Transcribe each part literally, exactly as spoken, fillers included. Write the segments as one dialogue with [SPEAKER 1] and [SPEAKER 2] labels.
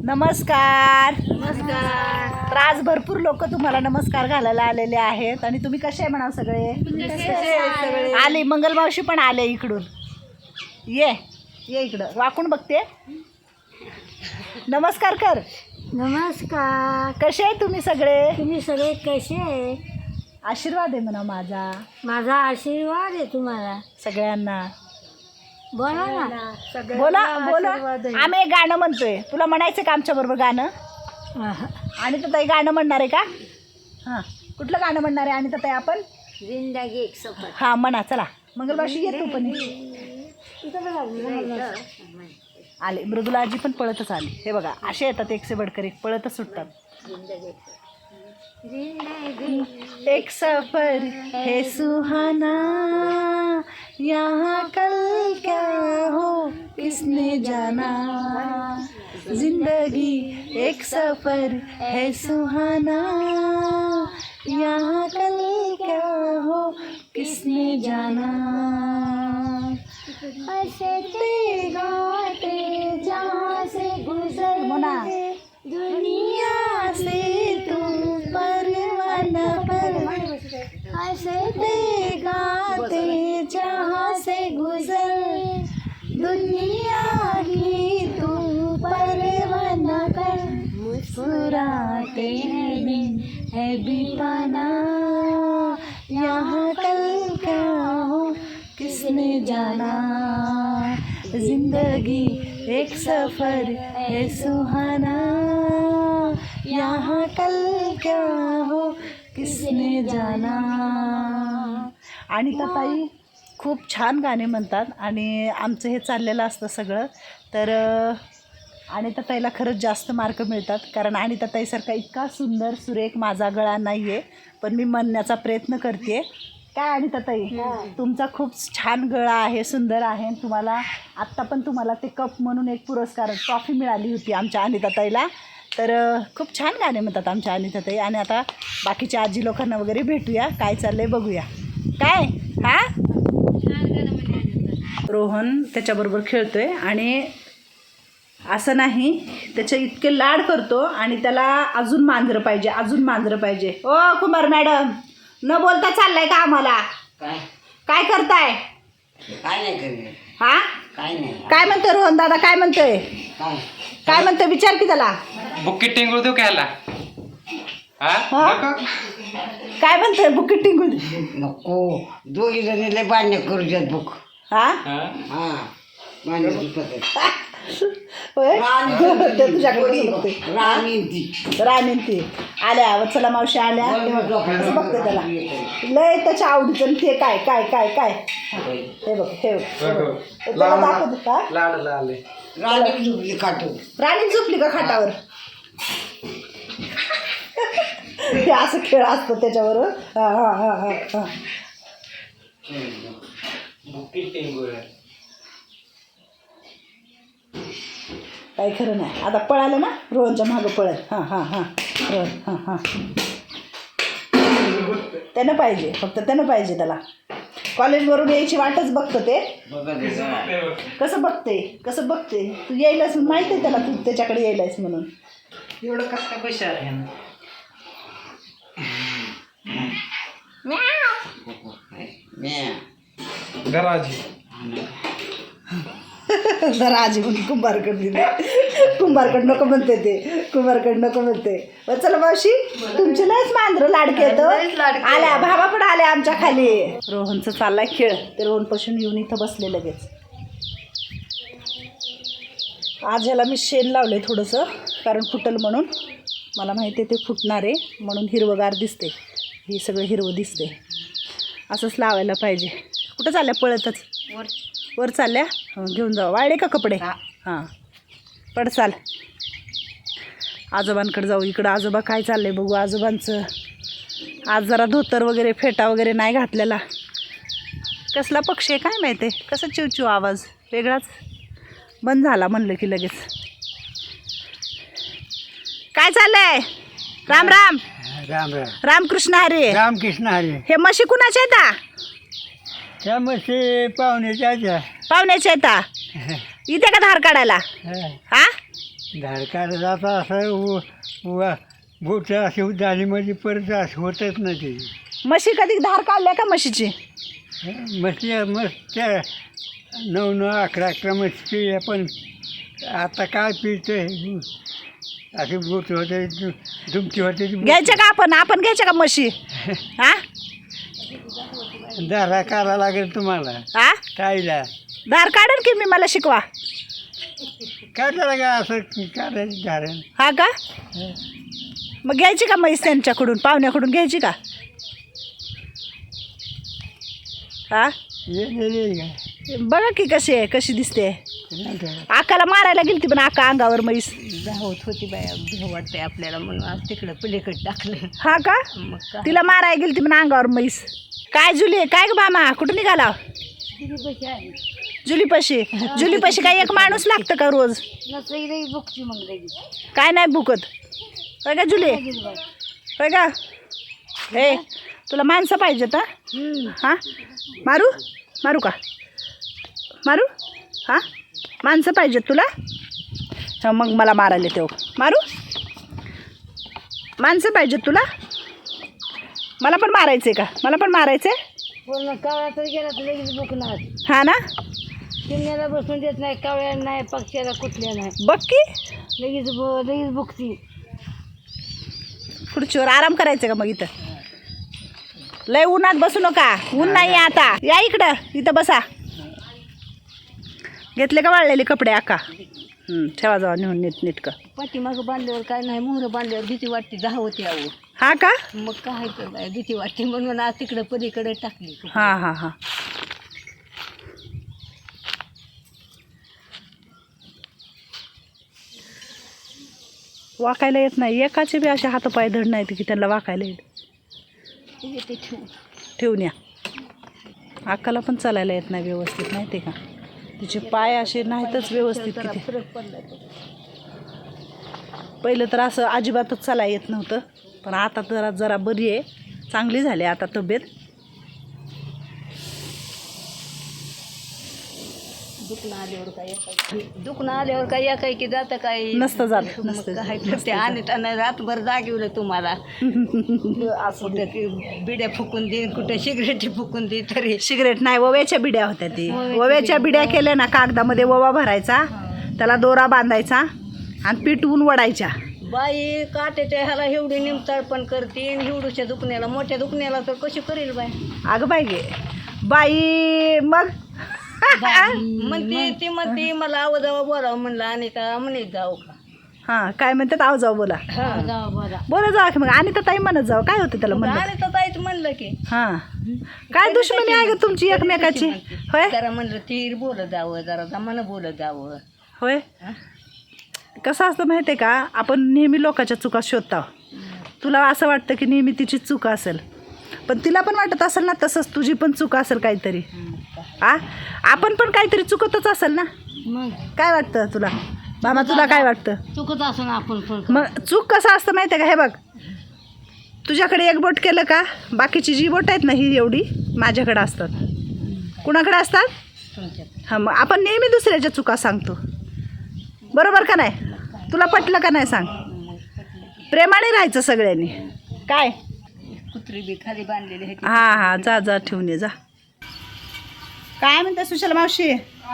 [SPEAKER 1] नमस्कार.
[SPEAKER 2] नमस्कार.
[SPEAKER 1] तर आज भरपूर लोक तुम्हाला नमस्कार घालायला आलेले आहेत आणि तुम्ही कसे आहे म्हणा सगळे आले. मंगलमावशी पण आले इकडून. ये ये इकडं वाकून बघते. नमस्कार कर.
[SPEAKER 2] नमस्कार.
[SPEAKER 1] कसे आहे तुम्ही सगळे?
[SPEAKER 2] तुम्ही सगळे कसे आहे?
[SPEAKER 1] आशीर्वाद आहे म्हणा माझा.
[SPEAKER 2] माझा आशीर्वाद आहे तुम्हाला
[SPEAKER 1] सगळ्यांना.
[SPEAKER 2] बोला ना.
[SPEAKER 1] बोला बोला. आम्ही एक गाणं म्हणतोय. तुला म्हणायचं का आमच्या बरोबर गाणं? आणि तर ताई गाणं म्हणणार आहे का? हां, कुठलं गाणं म्हणणार आहे? आणि तर ताई आपण
[SPEAKER 2] जिंदगी एक सफर.
[SPEAKER 1] हां म्हणा. चला मंगलबाशी ये तू पण. आले मृदुलाजी पण पळतच आली. हे बघा असे येतात एकसे बडकर एक, पळतच सुटतात. एक सफर है सुहाना, यहाँ कल क्या हो किसने जाना. जिंदगी एक सफर है सुहाना, यहाँ कल क्या हो किसने जाना. हंसते गाते जहाँ से गुजर दुनिया से तुम परवाना पर. हंसते गाते जहाँ से गुजर दुनिया ही तुम परवाना कर. मुस्कुराते हैं दिन है बिताना, यहाँ कल क्या हो किसने जाना. जिंदगी एक सफर है सुहाना, यहाँ कल क्या हो किसने जाना. आणि तर ताई खूप छान गाणे म्हणतात आणि आमचं हे चाललेलं असतं सगळं. तर आणि तर ताईला खरंच जास्त मार्क मिळतात, कारण आणि तर ताईसारखा इतका सुंदर सुरेख माझा गळा नाही आहे, पण मी म्हणण्याचा प्रयत्न करते. काय आणि तर ताई तुमचा खूप छान गळा आहे, सुंदर आहे. तुम्हाला आत्ता पण तुम्हाला ते कप म्हणून एक पुरस्कार ट्रॉफी मिळाली होती आमच्या अनिता ताईला. तर खूप छान गाणे म्हणतात आमच्या अनिता ताई. आणि आता बाकीच्या आजी लोकांना वगैरे भेटूया, काय चाललंय बघूया. काय हा रोहन त्याच्याबरोबर खेळतोय आणि असं नाही, त्याचे इतके लाड करतो आणि त्याला अजून मांजरं पाहिजे, अजून मांजरं पाहिजे. ओ कुमार मॅडम, न बोलता चाललाय का आम्हाला?
[SPEAKER 3] काय
[SPEAKER 1] काय करताय?
[SPEAKER 3] काय नाही करत.
[SPEAKER 1] हा
[SPEAKER 3] काय नाही.
[SPEAKER 1] काय म्हणतोय रोहन दादा? काय म्हणतोय?
[SPEAKER 3] काय
[SPEAKER 1] काय म्हणतोय विचार की त्याला.
[SPEAKER 4] बुक्की टिंगूळ देऊ घ्यायला.
[SPEAKER 1] हा? काय म्हणतोय? बुकीट टिंगून.
[SPEAKER 3] नको, दोघी जणी लय बांधण्या करू देत बुक.
[SPEAKER 1] हा
[SPEAKER 3] हा बांधण्याची पद्धत.
[SPEAKER 1] होय ते तुझ्याकडे बघते.
[SPEAKER 3] राणी ती
[SPEAKER 1] राणी ती आल्या वत्सला मावशी आल्या. असं बघते त्याला लय त्याच्या आवडीचं. आणि ते काय काय काय काय हे बघ हे बघ त्याला दाखवते का.
[SPEAKER 4] लाडला आले.
[SPEAKER 3] राणी झोपली काटून.
[SPEAKER 1] राणी झोपली का खाटावर? हे असं खेळ असतो त्याच्यावर. हा हा हा हा हा
[SPEAKER 4] बुक्की टिंगूळ
[SPEAKER 1] काही खरं नाही. आता पळालं ना रोहनच्या मागं पळत. हां हां हां रोहन हां हां त्यानं पाहिजे, फक्त त्यानं पाहिजे. त्याला कॉलेजवरून यायची वाटच बघतं ते. कसं बघते कसं बघते तू यायलास माहिती आहे त्याला, तू त्याच्याकडे यायलास म्हणून.
[SPEAKER 4] एवढं कसं काय पैसे आहे? गराजी
[SPEAKER 1] जरा आजी म्हणून कुंभारकड दिले. कुंभारकड नको म्हणते ते, कुंभारकड नको म्हणते. चला मावशी तुमचे लयच मांजरं लाडके येतं. आल्या भावा पण आल्या आमच्या खाली. रोहनचं चाललाय खेळ. ते रोहनपासून येऊन इथं बसले लगेच. आज ह्याला मी शेण लावले थोडंसं, कारण फुटल म्हणून. मला माहिती आहे ते फुटणार आहे म्हणून हिरवगार दिसते. ही सगळं हिरवं दिसते. असंच लावायला पाहिजे. कुठं चालल्या? पळतच वर वर चालल्या. घेऊन जाऊ. वाळले का कपडे? हां पड चाल. आजोबांकडे जाऊ. इकडं आजोबा काय चाललंय बघू आजोबांचं. आज जरा धोतर वगैरे फेटा वगैरे नाही घातलेला. कसला पक्षी आहे काय माहिती आहे. कसं चिवचिव आवाज वेगळाच बंद झाला म्हणलं की लगेच. काय चाललंय? राम राम.
[SPEAKER 5] राम राम.
[SPEAKER 1] रामकृष्ण हरे.
[SPEAKER 5] रामकृष्ण हरी.
[SPEAKER 1] हे म्हशी कुणाच्या आहेत?
[SPEAKER 5] त्या म्हशी पाहुण्याच्या
[SPEAKER 1] पाहुण्याच्या आहेत. इथे का धार काढायला? हा
[SPEAKER 5] धार काढत जाता असं उ- उ- बोट अशी झाली म्हणजे परत असं होतच ना ते
[SPEAKER 1] म्हशी कधी धार काढल्या का म्हशीची?
[SPEAKER 5] मस्त मस्त त्या नऊ नऊ अकरा अकरा मस्त पिल्या पण आता काय पिते असे बोट होते दु- दुमती होते
[SPEAKER 1] घ्यायच्या का आपण आपण घ्यायच्या का म्हशी? हा
[SPEAKER 5] दारा काढा लागेल तुम्हाला
[SPEAKER 1] हा
[SPEAKER 5] ताईला
[SPEAKER 1] धार काढेल की मी, मला शिकवा.
[SPEAKER 5] काढायला का असं काढायची धारण
[SPEAKER 1] हा का? मग घ्यायची का म्हैस त्यांच्याकडून, पाहुण्याकडून घ्यायची का? हा
[SPEAKER 5] येलेली का
[SPEAKER 1] बघा की कशी आहे, कशी दिसते.
[SPEAKER 5] नाही का?
[SPEAKER 1] आकाला मारायला गेलती पण आका अंगावर म्हैस.
[SPEAKER 2] धावत होती बाया, भीव वाटते आपल्याला म्हणून आज तिकडं पलीकडे टाकलं.
[SPEAKER 1] हा का?
[SPEAKER 2] मग काय
[SPEAKER 1] तिला मारायला गेलती पण अंगावर म्हैस. काय जुली काय ग मामा, कुठं निघाला? जुलीपाशी. जुलीपाशी काय एक माणूस लागतं का रोज?
[SPEAKER 2] बुकची मग लगेच
[SPEAKER 1] काय नाही भुकत होय का जुली? होय का? हे तुला माणसं पाहिजेत हा? हा मारू मारू का मारू? हा माणसं पाहिजेत तुला? हा मग मला मारायला तेव्हा मारू. माणसं पाहिजेत तुला? मला पण मारायचं आहे का? मला पण मारायचं आहे.
[SPEAKER 2] पूर्ण कावळा तर गेला तर लगेच बुकणार.
[SPEAKER 1] हा ना,
[SPEAKER 2] चिमण्याला बसून देत नाही, कावळ्या नाही, पक्ष्याला कुठल्या नाही,
[SPEAKER 1] बघ की
[SPEAKER 2] लगेच ब- लगेच बुकती.
[SPEAKER 1] खुर्चीवर आराम करायचं का मग? इथं लय उन्हात बसू नका, ऊन नाही आहे आता. या इकडं, इथं बसा. घेतले का वाळलेले कपडे आका? हं, ठेवा जावा नेऊन नीट नीटकं.
[SPEAKER 2] पाठीमागं बांधल्यावर काय नाही, मोहरं बांधल्यावर भीती वाटते, धावते यावं.
[SPEAKER 1] हा का?
[SPEAKER 2] मग काय तर बाय भीती वाटते म्हणून आज तिकडं पलीकडे टाकली.
[SPEAKER 1] हां हां हां. वाकायला येत नाही, एकाचे बी असे हातपाय धड नाहीत की त्यांना वाकायला येत.
[SPEAKER 2] ते ठेवून
[SPEAKER 1] ठेवून या. अक्काला पण चालायला येत नाही व्यवस्थित, माहिती आहे का? तिचे पाय असे नाहीतच व्यवस्थित. किती
[SPEAKER 2] फरक पडला.
[SPEAKER 1] पहिलं तर असं अजिबातच चालायला येत नव्हतं, पण आता जरा जरा बरी आहे, चांगली झाली आता तब्येत.
[SPEAKER 2] दुखणं आल्यावर काय एकाय दुखणं आल्यावर काय एकाय की जातं काय
[SPEAKER 1] नसतं जात,
[SPEAKER 2] मग
[SPEAKER 1] नसतं जात,
[SPEAKER 2] काय
[SPEAKER 1] नसतं
[SPEAKER 2] करते आणि त्यांना रातभर जागवलं तुम्हाला. कुठं ती बिड्या फुकून देईन, कुठं सिगरेटी फुकून दे तरी.
[SPEAKER 1] सिगरेट नाही, ओव्याच्या बिड्या होत्या. ती ओव्याच्या बिड्या केल्या ना, कागदामध्ये ओवा भरायचा, त्याला दोरा बांधायचा आणि पिटवून वडायच्या.
[SPEAKER 2] बाई काट्याच्या ह्याला एवढी निमताळ पण करते, एवढूच्या दुखण्याला, मोठ्या दुखण्याला तर कशी करेल बाई?
[SPEAKER 1] अगं बाई गे बाई. मग
[SPEAKER 2] म्हणते ती म्हणते मला आव जावं बोलावं म्हणलं, आणि का म्हणे जाऊ का?
[SPEAKER 1] हां काय म्हणतात? आव जाऊ बोला.
[SPEAKER 2] जावं बोला
[SPEAKER 1] बोला जाऊ की मग. आणि तर ताई म्हणत जाऊ, काय होतं त्याला म्हणलं?
[SPEAKER 2] आणि तर ताईच म्हणलं की
[SPEAKER 1] हां काय दुश्मनी आहे ग तुमची एकमेकाची? होय
[SPEAKER 2] जरा म्हणलं तीर बोलत जावं, जरा जमानं बोलत जावं.
[SPEAKER 1] होय. कसं असतं माहिती आहे का, आपण नेहमी लोकांच्या चुका शोधतो. तुला असं वाटतं की नेहमी तिची चूक असेल, पण तिला पण वाटत असेल ना तसंच तुझी पण चूक असेल काहीतरी. आ आपण पण काहीतरी चुकतच असेल ना.
[SPEAKER 2] मग
[SPEAKER 1] काय वाटतं तुला मामा? तुला काय वाटतं?
[SPEAKER 2] चुकत असून आपण पण
[SPEAKER 1] मग चूक कसं असतं माहिती आहे का? हे बघ, तुझ्याकडे एक बोट केलं का, बाकीची जी बोट आहेत ना ही एवढी माझ्याकडे असतात. कुणाकडे असतात? हां, मग आपण नेहमी दुसऱ्याच्या चुका सांगतो, बरोबर का नाही? तुला पटलं का नाही सांग? प्रेमाने राहायचं सगळ्यांनी. काय
[SPEAKER 2] कुत्री बी खाली बांधलेली आहे.
[SPEAKER 1] हां हां, जा जा ठेवून ये जा. काय म्हणते सुशला मावशी?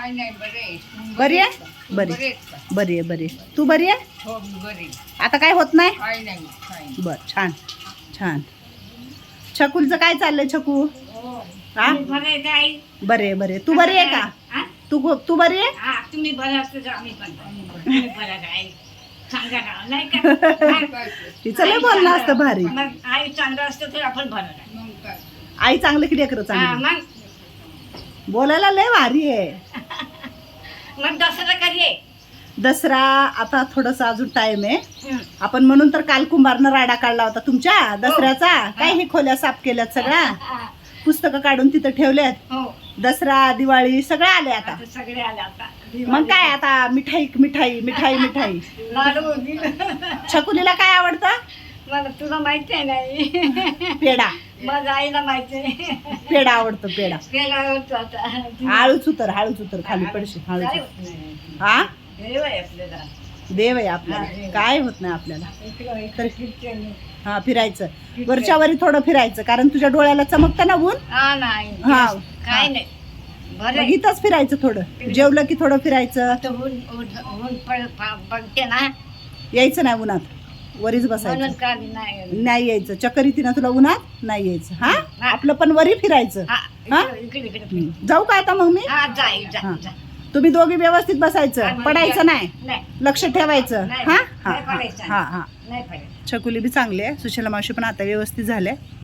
[SPEAKER 1] बरी आहे? बरी बरी आहे बरी आहे. तू बरी आहे? आता काय होत नाही? बरं, छान छान. छकुलचं काय चाललंय छकू? हा बरे बरे. तू बरी आहे का? तू तू बरी आहे?
[SPEAKER 2] तुम्ही बरं असतं आम्ही पण बरं काय सांगा ना, नाही का?
[SPEAKER 1] तिचं लय बोलणं असतं भारी.
[SPEAKER 2] मग आई चांगलं असतं तर आपण बरं.
[SPEAKER 1] आई चांगलं की लेकरं चांगलं?
[SPEAKER 2] मग
[SPEAKER 1] बोलायला लय भारी आहे.
[SPEAKER 2] मग दसरा कधी आहे?
[SPEAKER 1] दसरा आता थोडंसं अजून टाइम आहे. आपण म्हणून तर काल कुंभारनं राडा काढला होता तुमच्या दसऱ्याचा. काय हे खोल्या साफ केल्यात, सगळ्या पुस्तकं काढून तिथं ठेवल्यात.
[SPEAKER 2] हो,
[SPEAKER 1] दसरा दिवाळी सगळं आले आता.
[SPEAKER 2] सगळे आले आता.
[SPEAKER 1] मग काय आता मिठाई मिठाई मिठाई मिठाई.
[SPEAKER 2] लाडू
[SPEAKER 1] छकुलीला काय आवडतं?
[SPEAKER 2] मला तुला माहिती आहे नाही,
[SPEAKER 1] पेढा.
[SPEAKER 2] माझ्या आईला माहिती आहे.
[SPEAKER 1] पेढा आवडतो, पेढा.
[SPEAKER 2] पेढा आवडतो आता.
[SPEAKER 1] हळूच उतर, हळूच उतर, खाली पडशी हळूच. हा
[SPEAKER 2] गरीब आहे आपल्याला.
[SPEAKER 1] देव आहे आपल्याला, काय होत नाही आपल्याला. तर हा फिरायचं, वरच्या वरी थोडं फिरायचं, कारण तुझ्या डोळ्याला चमकतं ना ऊन.
[SPEAKER 2] हा नाही
[SPEAKER 1] हा
[SPEAKER 2] काय नाही बरं
[SPEAKER 1] मग इथंच फिरायचं, थोडं जेवलं की थोडं फिरायचं.
[SPEAKER 2] आता ऊन ऊन ऊन पड- पा- बघते ना
[SPEAKER 1] यायचं नाही उन्हात, वरीच
[SPEAKER 2] म्हणून
[SPEAKER 1] बसायचं,
[SPEAKER 2] का नाही
[SPEAKER 1] नाही यायचं. चक्कर येते ना तुला उन्हात, नाही यायचं. हा
[SPEAKER 2] हा.
[SPEAKER 1] आपलं पण वरी फिरायचं.
[SPEAKER 2] हा
[SPEAKER 1] हा?
[SPEAKER 2] इकडे इकडे इकडे.
[SPEAKER 1] हं. जाऊ का आता मग मी?
[SPEAKER 2] हा जाय जा
[SPEAKER 1] हा.
[SPEAKER 2] जा.
[SPEAKER 1] तुम्ही दोघी व्यवस्थित बसायचं,
[SPEAKER 2] हा,
[SPEAKER 1] पडायचं नाही,
[SPEAKER 2] नाही
[SPEAKER 1] लक्ष ठेवायचं.
[SPEAKER 2] नाही,
[SPEAKER 1] हा
[SPEAKER 2] नाही
[SPEAKER 1] हा
[SPEAKER 2] पडायचं.
[SPEAKER 1] हा हा.
[SPEAKER 2] नाही पडायचं.
[SPEAKER 1] छकुली बी चांगली आहे, सुशीला मावशी पण आता व्यवस्थित झाल्या.